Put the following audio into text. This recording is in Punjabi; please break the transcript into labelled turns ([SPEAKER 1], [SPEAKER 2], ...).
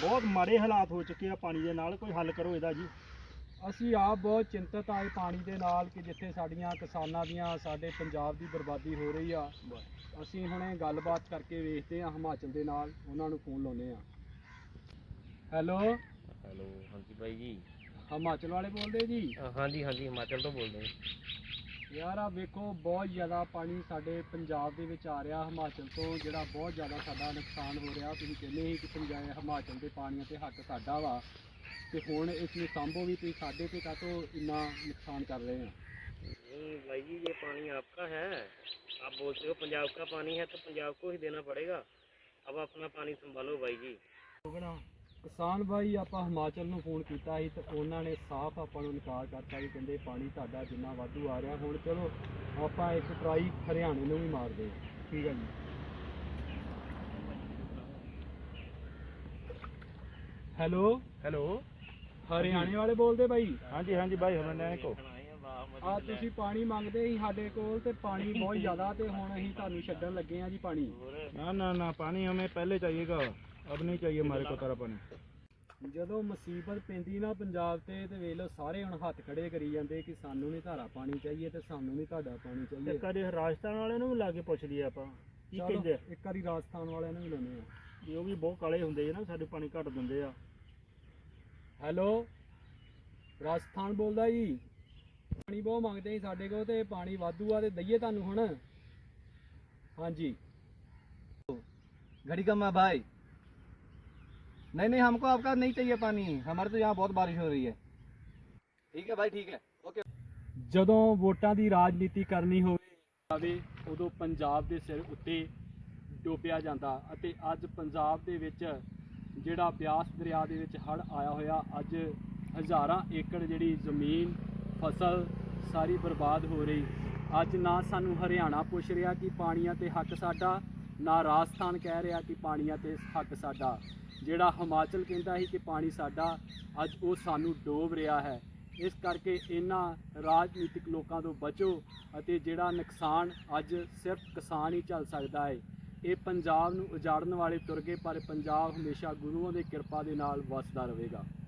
[SPEAKER 1] ਬਹੁਤ ਮਾੜੇ ਹਾਲਾਤ ਹੋ ਚੁੱਕੇ ਆ ਪਾਣੀ ਦੇ ਨਾਲ, ਕੋਈ ਹੱਲ ਕਰੋ ਇਹਦਾ ਜੀ।
[SPEAKER 2] ਅਸੀਂ ਆਪ ਬਹੁਤ ਚਿੰਤਤ ਆਏ ਪਾਣੀ ਦੇ ਨਾਲ ਕਿ ਜਿੱਥੇ ਸਾਡੀਆਂ ਕਿਸਾਨਾਂ ਦੀਆਂ, ਸਾਡੇ ਪੰਜਾਬ ਦੀ ਬਰਬਾਦੀ ਹੋ ਰਹੀ ਆ। ਅਸੀਂ ਹੁਣੇ ਗੱਲਬਾਤ ਕਰਕੇ ਵੇਖਦੇ ਹਾਂ ਹਿਮਾਚਲ ਦੇ ਨਾਲ, ਉਹਨਾਂ ਨੂੰ ਫੋਨ ਲਾਉਂਦੇ ਹਾਂ। ਹੈਲੋ
[SPEAKER 3] ਹੈਲੋ, ਹਾਂਜੀ ਬਾਈ ਜੀ।
[SPEAKER 2] ਹਿਮਾਚਲ ਵਾਲੇ ਬੋਲਦੇ ਜੀ?
[SPEAKER 3] ਹਾਂਜੀ ਹਾਂਜੀ, ਹਿਮਾਚਲ ਤੋਂ ਬੋਲਦੇ
[SPEAKER 2] ਯਾਰ ਆ ਵੇਖੋ, ਬਹੁਤ ਜ਼ਿਆਦਾ ਪਾਣੀ ਸਾਡੇ ਪੰਜਾਬ ਦੇ ਵਿੱਚ ਆ ਰਿਹਾ ਹਿਮਾਚਲ ਤੋਂ, ਜਿਹੜਾ ਬਹੁਤ ਜ਼ਿਆਦਾ ਸਾਡਾ ਨੁਕਸਾਨ ਹੋ ਰਿਹਾ। ਤੁਸੀਂ ਕਹਿੰਦੇ ਸੀ ਕਿ ਪੰਜਾਬ ਹਿਮਾਚਲ ਦੇ ਪਾਣੀਆਂ ਤੇ ਹੱਕ ਸਾਡਾ ਵਾ, ਤੇ ਹੁਣ ਇਸ ਨੂੰ ਸਾਂਭੋ ਵੀ, ਤੁਸੀਂ ਸਾਡੇ ਤੇ ਕਾਹਤੋਂ ਇੰਨਾ ਨੁਕਸਾਨ ਕਰ ਰਹੇ ਆ?
[SPEAKER 3] नहीं भाई जी, ये पानी आपका है। आप बोलते हो पंजाब का पानी है तो पंजाब को ही देना पड़ेगा। अब अपना पानी संभालो भाई जी।
[SPEAKER 2] ਕਿਸਾਨ ਭਾਈ, ਆਪਾਂ ਹਿਮਾਚਲ ਨੂੰ ਫੋਨ ਕੀਤਾ ਸੀ ਤੇ ਉਹਨਾਂ ਨੇ ਸਾਫ਼ ਆਪਾਂ ਨੂੰ ਇਨਕਾਰ ਕਰਤਾ ਵੀ ਕਹਿੰਦੇ ਪਾਣੀ ਤੁਹਾਡਾ ਜਿੰਨਾ ਵਾਧੂ ਆ ਰਿਹਾ। ਹੁਣ ਚਲੋ ਆਪਾਂ ਇੱਕ ਟਰਾਈ ਹਰਿਆਣੇ ਨੂੰ ਵੀ ਮਾਰਦੇ ਹਾਂ। ਠੀਕ ਹੈ ਜੀ। ਹੈਲੋ
[SPEAKER 1] ਹੈਲੋ,
[SPEAKER 2] ਹਰਿਆਣੇ ਵਾਲੇ ਬੋਲਦੇ ਬਾਈ?
[SPEAKER 1] ਹਾਂਜੀ ਹਾਂਜੀ ਬਾਈ, ਹਰਿਆਣੇ ਕੋ
[SPEAKER 2] ਆ ਤੁਸੀਂ ਪਾਣੀ ਮੰਗਦੇ ਸੀ ਸਾਡੇ ਕੋਲ ਤੇ ਪਾਣੀ ਬਹੁਤ ਜ਼ਿਆਦਾ, ਤੇ ਹੁਣ ਅਸੀਂ ਤੁਹਾਨੂੰ ਛੱਡਣ ਲੱਗੇ ਆ ਜੀ ਪਾਣੀ।
[SPEAKER 1] ਨਾ ਨਾ ਨਾ, ਪਾਣੀ ਹमें पहले चाहिएगा, अब नहीं चाहिए हमारे को तारा पानी।
[SPEAKER 2] ਜਦੋਂ ਮੁਸੀਬਤ ਪੈਂਦੀ ਨਾ ਪੰਜਾਬ ਤੇ ਵੇਖ ਲਓ ਸਾਰੇ ਹੁਣ ਹੱਥ ਖੜੇ ਕਰੀ ਜਾਂਦੇ ਕਿ ਸਾਨੂੰ ਨਹੀਂ ਧਾਰਾ ਪਾਣੀ ਚਾਹੀਏ ਤੇ ਸਾਨੂੰ ਨਹੀਂ ਤੁਹਾਡਾ ਪਾਣੀ ਚਾਹੀਏ।
[SPEAKER 1] ਇੱਕ ਵਾਰੀ ਰਾਜਸਥਾਨ ਵਾਲਿਆਂ ਨੂੰ ਵੀ ਲਾ ਕੇ ਪੁੱਛ ਲਈਏ ਆਪਾਂ, ਕੀ
[SPEAKER 2] ਚਲੋ
[SPEAKER 1] ਕਹਿੰਦੇ ਆ।
[SPEAKER 2] ਇੱਕ ਵਾਰੀ ਰਾਜਸਥਾਨ ਵਾਲਿਆਂ ਨੂੰ ਵੀ ਲਾਉਂਦੇ ਆ।
[SPEAKER 1] ਵੀ ਉਹ ਵੀ ਬਹੁਤ ਕਾਲੇ ਹੁੰਦੇ ਆ ਨਾ, ਸਾਡੇ ਪਾਣੀ ਘੱਟ ਦਿੰਦੇ ਆ।
[SPEAKER 2] ਹੈਲੋ, ਰਾਜਸਥਾਨ ਬੋਲਦਾ ਜੀ? ਪਾਣੀ ਬਹੁਤ ਮੰਗਦੇ ਸੀ ਸਾਡੇ ਕੋਲ ਤੇ ਪਾਣੀ ਵਾਧੂ ਆ ਤੇ ਦਈਏ ਤੁਹਾਨੂੰ ਹੁਣ? ਹਾਂਜੀ।
[SPEAKER 4] घड़ी कम है भाई। नहीं नहीं, हमको आपका नहीं चाहिए पानी, हमारे तो यहाँ बहुत बारिश हो रही है। ठीक है भाई, ठीक है, ओके।
[SPEAKER 2] ਜਦੋਂ ਵੋਟਾਂ ਦੀ ਰਾਜਨੀਤੀ ਕਰਨੀ ਹੋਵੇ ਉਦੋਂ ਪੰਜਾਬ ਦੇ ਸਿਰ ਉੱਤੇ ਡੋਬਿਆ ਜਾਂਦਾ, ਅਤੇ ਅੱਜ ਪੰਜਾਬ ਦੇ ਵਿੱਚ ਜਿਹੜਾ ਬਿਆਸ ਦਰਿਆ ਦੇ ਵਿੱਚ ਹੜ੍ਹ ਆਇਆ ਹੋਇਆ, ਅੱਜ ਹਜ਼ਾਰਾਂ ਏਕੜ ਜਿਹੜੀ ਜ਼ਮੀਨ, ਫਸਲ ਸਾਰੀ ਬਰਬਾਦ ਹੋ ਰਹੀ। ਅੱਜ ਨਾ ਸਾਨੂੰ ਹਰਿਆਣਾ ਪੁੱਛ ਰਿਹਾ ਕਿ ਪਾਣੀਆਂ ਤੇ ਹੱਕ ਸਾਡਾ, ਨਾ ਰਾਜਸਥਾਨ ਕਹਿ ਰਿਹਾ ਕਿ ਪਾਣੀਆਂ ਤੇ ਹੱਕ ਸਾਡਾ। ਜਿਹੜਾ ਹਿਮਾਚਲ ਕਹਿੰਦਾ ਸੀ ਕਿ ਪਾਣੀ ਸਾਡਾ, ਅੱਜ ਉਹ ਸਾਨੂੰ ਡੋਬ ਰਿਹਾ ਹੈ। ਇਸ ਕਰਕੇ ਇਹਨਾਂ ਰਾਜਨੀਤਿਕ ਲੋਕਾਂ ਤੋਂ ਬਚੋ, ਅਤੇ ਜਿਹੜਾ ਨੁਕਸਾਨ ਅੱਜ ਸਿਰਫ ਕਿਸਾਨ ਹੀ ਝੱਲ ਸਕਦਾ ਹੈ। ਇਹ ਪੰਜਾਬ ਨੂੰ ਉਜਾੜਨ ਵਾਲੇ ਤੁਰ ਗਏ, ਪਰ ਪੰਜਾਬ ਹਮੇਸ਼ਾ ਗੁਰੂਆਂ ਦੀ ਕਿਰਪਾ ਦੇ ਨਾਲ ਵਸਦਾ ਰਹੇਗਾ।